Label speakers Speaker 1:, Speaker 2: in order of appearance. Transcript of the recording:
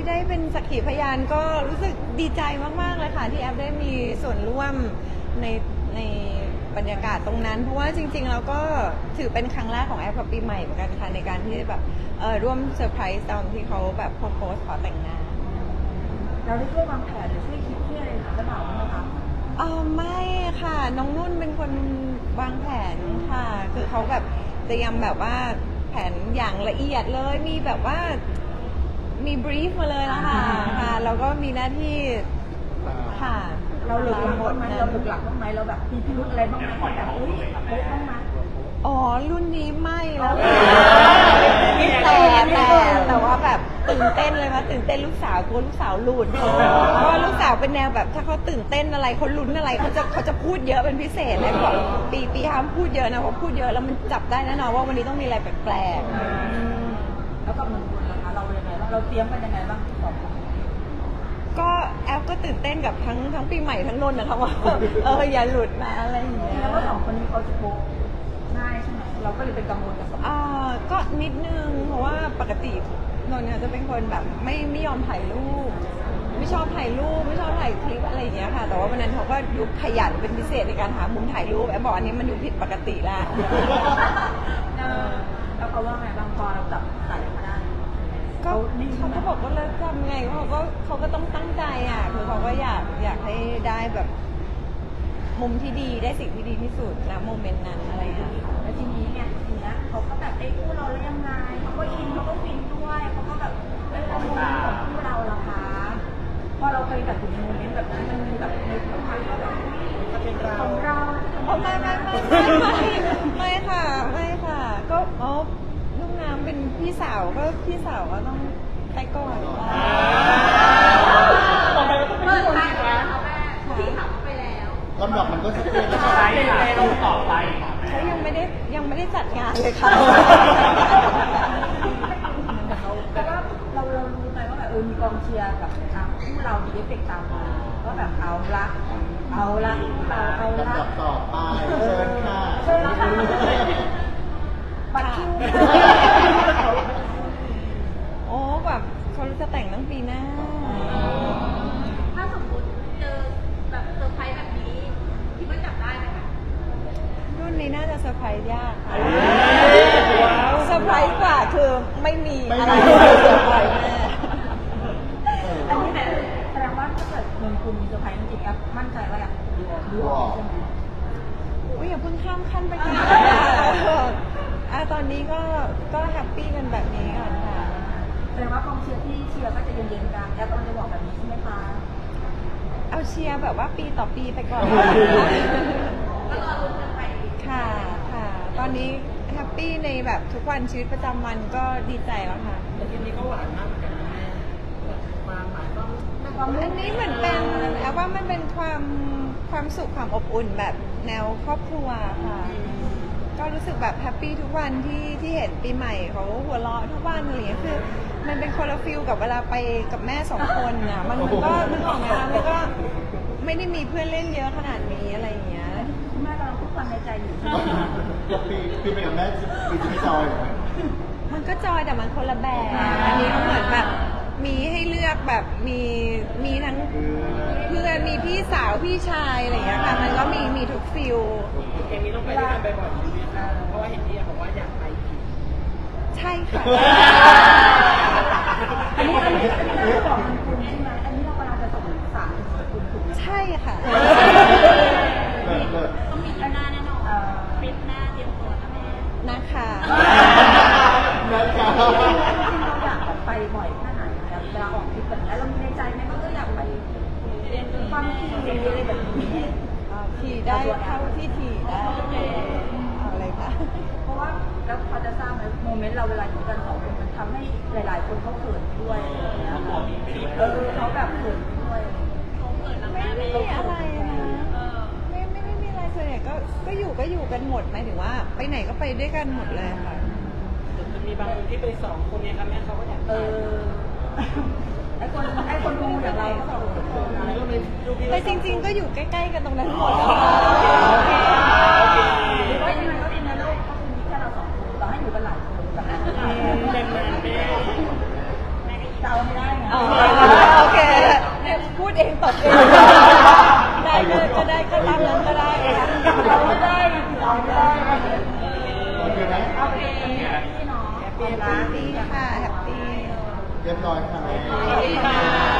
Speaker 1: ที่ได้เป็นสักขีพยานก็รู้สึกดีใจมากๆเลยค่ะที่แอฟได้มีส่วนร่วมในบรรยากาศตรงนั้นเพราะว่าจริงๆเราก็ถือเป็นครั้งแรกของแอฟกับปีใหม่เหมือนกันค่ะในการที่แบบร่วมเซอร์ไพรส์ตอนที่เขาแบบโพสต์ขอแต่งงาน
Speaker 2: เราได้ช่วยวางแผนหรือช่วยคิดช่วยอะไรหรือเปล่าคะ
Speaker 1: ไม่ค่ะน้องนุ่นเป็นคนวางแผนค่ะคือเขาแบบเตรียมแบบว่าแผนอย่างละเอียดเลยมีแบบว่ามีบรีฟมาเลยนะคะค่ะแล้วก็มีหน้าที่ค่ะ
Speaker 2: เราหลุดหลักบ้างไหมเราหลุดหลักบ้างไหมเราแบบมีพิรุธอะไรบ้างไหมแบบอุ้ยโป๊ะบ้างไหม
Speaker 1: อ๋อรุ่นนี้ไม่แล้วแต่ว่าแบบตื่นเต้นเลยค่ะตื่นเต้นลูกสาวกลัวลูกสาวหลุดเพราะว่าลูกสาวเป็นแนวแบบถ้าเขาตื่นเต้นอะไรเขาลุ้นอะไรเขาจะพูดเยอะเป็นพิเศษเลยบอกปีห้ามพูดเยอะนะเพราะพูดเยอะแล้วมันจับได้แน่นอนว่าวันนี้ต้องมีอะไรแปลก
Speaker 2: ๆแล้วกับเมืองบุญล่ะคะเรายังไงบ้างเราเตรียมกันยังไงบ้างสองคน
Speaker 1: ก็แอฟก็ตื่นเต้นกับทั้งปีใหม่ทั้งนนท์นะคะว่าอย่าหลุดนะอะไรอย่างเงี้ย
Speaker 2: แล้วว่าสองคนนี้เขาจะโป๊ะง่ายใช่ไหมเราก็เลยเป็นกังวลกับสอง
Speaker 1: ก็นิดนึงเพราะว่าปกตินนท์จะเป็นคนแบบไม่ยอมถ่ายรูปไม่ชอบถ่ายรูปไม่ชอบถ่ายคลิปอะไรอย่างเงี้ยค่ะแต่ว่าวันนั้นเขาก็ดูขยันเป็นพิเศษในการหามุมถ่ายรูปแอฟบอกอันนี้มันดูผิดปกติแล้ว
Speaker 2: แล้วเขาว่าไงบางพอเราจับสายมาได้
Speaker 1: เขาก็บอกว่าแล้วทำไงเขาก็ต้องตั้งใจอ่ะคือเขาก็อยากให้ได้แบบมุมที่ดีได้สิ่งที่ดีที่สุดนะโมเมนต์นั้นอะไรอย่างเงี้ย
Speaker 2: แล้วทีนี้เนี่ยเขาก็แบบได้คู่เราแล้วยังไงเขาก็อินเขาก็ฟินด้วยเขาก็แบบได้โมเมนต์ของคู่เราล่ะคะพอเราเคยแบบถึงโมเมนต์แบบนั้นมันมีแบบในสัมพันธ์ก็แบบของเรา
Speaker 1: ไม่ค่ะก็ลูกน้ำเป็นพี่สาวก็ต้องไปก่อน
Speaker 3: ลำดับมันก็ชัดเจนแล้ว
Speaker 4: ใช่เราต่อไป
Speaker 1: เขายังไม่ได้จัดงานเลยค่ะ
Speaker 2: แต่ว่าเรารู้ไหมว่าแบบมีกองเชียร์กับคู่เรามีเอฟเฟกต์ตามมาก็แบบเอาละ
Speaker 3: ลำดับต่อไปเชิญค่ะ
Speaker 2: บัตรคิว
Speaker 1: โอ้แบบเขาจะแต่งตั้งปีหน้า
Speaker 5: ถ้าสมมติเจอแบบเซอร์ไพรส์แบบนี้คิดว่าจับได้ไหมคะ
Speaker 1: รุ่นนี้น่าจะเซอร์ไพรส์ยากค่ะเซอร์ไพรส์กว่าคือไม่มีอะไรเซอร์ไพรส์แน่
Speaker 2: อันนี้แสดงว่าถ้าเกิดเมืองคุณมีเซอร์ไพรส์จริงๆแอปมั่นใจว่าอยากดูออกใช่ไหม
Speaker 1: อย่าเพิ่งข้ามขั้นไปกันตอนนี้ก็แฮปปี้กันแบบนี้ก่อนค่ะ
Speaker 2: แสดงว่ากองเชียร์ที่เชียร์ก็จะเย็นๆกันแอปกำลังจะบอกแบบนี้ใช่ไหมคะ
Speaker 1: เอาเชียร์แบบว่าปีต่อปีไปก่อนค่ะตอนนี้แฮปปี้ในแบบทุกวันชีวิตประจำวันก็ดีใจแล้วค่ะ
Speaker 4: แต่ทีนี้ก็หวานมากเหมือนกันนะแม่ความหมายก็
Speaker 1: อันนี้เหมือนเป็นแอบว่ามันเป็นความสุขความอบอุ่นแบบแนวครอบครัวค่ะก็รู้สึกแบบแฮปปี้ทุกวันที่เห็นปีใหม่เขาหัวเราะทุกวันอะไรอย่างเงี้ยคือมันเป็นคนละฟิลกับเวลาไปกับแม่สองคนอ่ะมันออกงานแล้วก็ไม่ได้มีเพื่อนเล่นเยอะขนาดนี้อะไรอย่างเงี้ย
Speaker 2: คุณแม่กำลังพูดความในใจอยู่
Speaker 3: ปีไปกับแม่ปีที่จอย
Speaker 1: มันก็จอยแต่มันคนละแบบอันนี้ก็เหมือนแบบมีให้เลือกแบบมีทั้งเพื่อนมีพี่สาวพี่ชายอะไรอย่างเงี้ยค่ะมันก็มีทุกฟิล
Speaker 4: อย่างนี้ต้องไปด้วยกันบ่อยๆชีวิตนะเพราะว่าเห็นที่บอกว่าอยากไปอีก
Speaker 1: ใช่ค่ะ
Speaker 2: อันนี้เราบอกคุณใช่ไหมอันนี้เรากำลังจะส่งสารถึงคุณถูกไหม
Speaker 1: ใช่ค่ะ
Speaker 5: ต้องมีหน้าแน่นอนปิดหน้าเตรียมตัวนะแม่
Speaker 1: นะคะ
Speaker 2: เราอยากไปบ่อยแค่ไหนเวลาออกทริปแบบนี้เรามีในใจไหมว่าอยากไปความขี่อะไรแบบนี้
Speaker 1: ขี่ได้เท่าที่ขี่ได้อะไรคะ
Speaker 2: เพราะว่าแล้วพอจะทราบไหมโมเมนต์เราเวลาอยู่กันสองคนมันทำให้หลายๆคนเขาเขินด้วยเขาแบบเขินด้วย
Speaker 1: ไม่มีอะไรนะไม่มีอะไรส่วนใหญ่ก็อยู่กันหมดหมายถึงว่าไปไหนก็ไปด้วยกันหมดเลยค่ะ
Speaker 4: จะมีบางคนที่ไปสองคนเนี่ยครับแม่เขาก็อยาก
Speaker 2: ไอ้คนดูอย่างเราก็สองคน
Speaker 1: แต่จริงๆก็อยู่ใกล้ๆกันตรงนั้นหมดแล้วค่ะ
Speaker 2: หรือว่ายังไงก็เป็นในโลกก็คือมีแค่เราสองคนเราให้อยู่กันหลายคนแต่แม่
Speaker 4: แม่
Speaker 2: เดาไม่ได้ไง
Speaker 1: โอเคพูดเองตบเองได้ก็ได้ก็ตามนั้นก็ได้ค่ะ
Speaker 2: เราไม่ได้เราไม่ได้
Speaker 3: โอเคไหม
Speaker 2: เอาไปเป็นพี่เนาะ
Speaker 1: แฮปปี้ค่ะแฮปปี้
Speaker 3: เรียบร้อยค่ะ
Speaker 1: ขอบคุณค่ะ